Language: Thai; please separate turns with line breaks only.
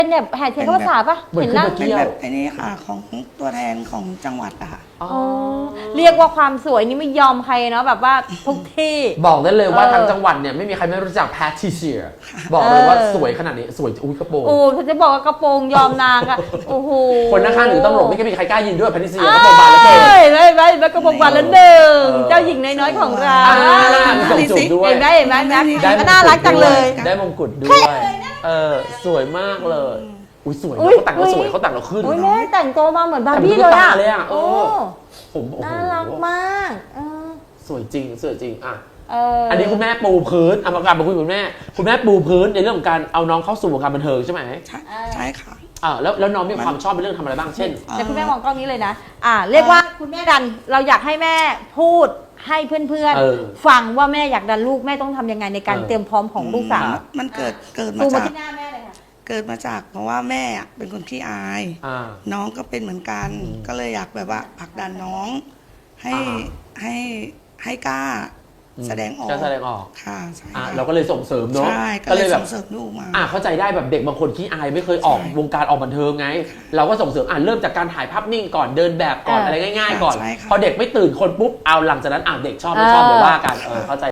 เป็นแบบแห่เทียนเข้าพรรษาปะ
เหมือน
เห็น
ขึ้น
นั่ง
มา
เป็น
เที่ยว
แบบไอ้นี้ค่ะของตัวแทนของจังหวัดอะค่ะ
อ๋อ
อ๋อเรียกว่าความสวยนี่ไม่ยอมใครเนาะแบบว่าทุกที่
บอกได้เลยว่า
เออ
ทั้งจังหวัดเนี่ยไม่มีใครไม่รู้จักแพทริเซียบอกเลยว่าสวยขนาดนี้สวยอุ้ยกระโปรง
โอ้ฉันจะบอกว่ากระโปรงยอมนางอะโอ้โห
คนข้างๆหรือตำรวจไม่มีใครกล้ายินด้วยแพทริเซียกระโปรงบานเหลือเกิน
ไม่กระโปรงบานละหนึ่ง
เออ
เจ้าหญิงน้อยๆของเรา
มีส่งจูบด้วย
เห็นไหมเห็นไหมนะ
ได้มงกุฎ
ก็น่ารักจังเลย
ได้มงกุฎด้วยสวยมากเลยอุ้ยสวย
อุ๊ย
เขาแต่งเราสวยเขาแต่งเราขึ้น
โอ้ยแม่แต่งตัวมาเหมือนบาร์บี้
แต่ง
เลย
ตุ๊ก
อะ
ตาเลยอะเอ
โอ้
อ ผมโอ้โห
น่ารักมาก
สวยจริงสวยจริงอ่ะ
อั
นนี้คุณแม่ปูพื้นเอามากลับมาคุยกับคุณแม่คุณแม่ปูพื้นในเรื่องของการเอาน้องเข้าสู่วงการบันเทิงใช่ไหม
ใช่ค่ะ
แล้วน้องมีความชอบในเรื่องทำอะไรบ้างเช่น
เดี๋ยวคุณแม่มองกล้องนี้เลยนะเรียกว่าคุณแม่ดันเราอยากให้แม่พูดให้เพื่อน
เออ
ๆฟังว่าแม่อยากดันลูกแม่ต้องทำยังไงในการเตรียมพร้อมของลูกสาว
มันเกิดมา
ซูมมา
จาก
ที่หน้าแม่เลยค่ะ
เกิดมาจากเพราะว่าแม่อะเป็นคนขี้อาย
อ่า
น้องก็เป็นเหมือนกัน ก็เลยอยากแบบว่าผลักดันน้องให้
อ่า
ให้ให้กล้าแสดงออก
จะแสดงออก
ค่ะใช่
อ่ะ
ค่ะ
เราก็เลยส่งเสริมเนาะ
ใช่ก็เลยส่งเสริมลูกมา
เข้าใจได้แบบเด็กบางคนขี้อายไม่เคยออก
ใช่
วงการออกบันเทิงไง เราก็ส่งเสริมเริ่มจากการถ่ายภาพนิ่งก่อนเดินแบบก่อนอะไรง่ายๆก่อน
ใช่ค่ะ
พอเด็กไม่ตื่นคนปุ๊บเอาหลังจากนั้นเด็กชอบไม่ชอบเดี๋ยวว่ากันเข้าใจ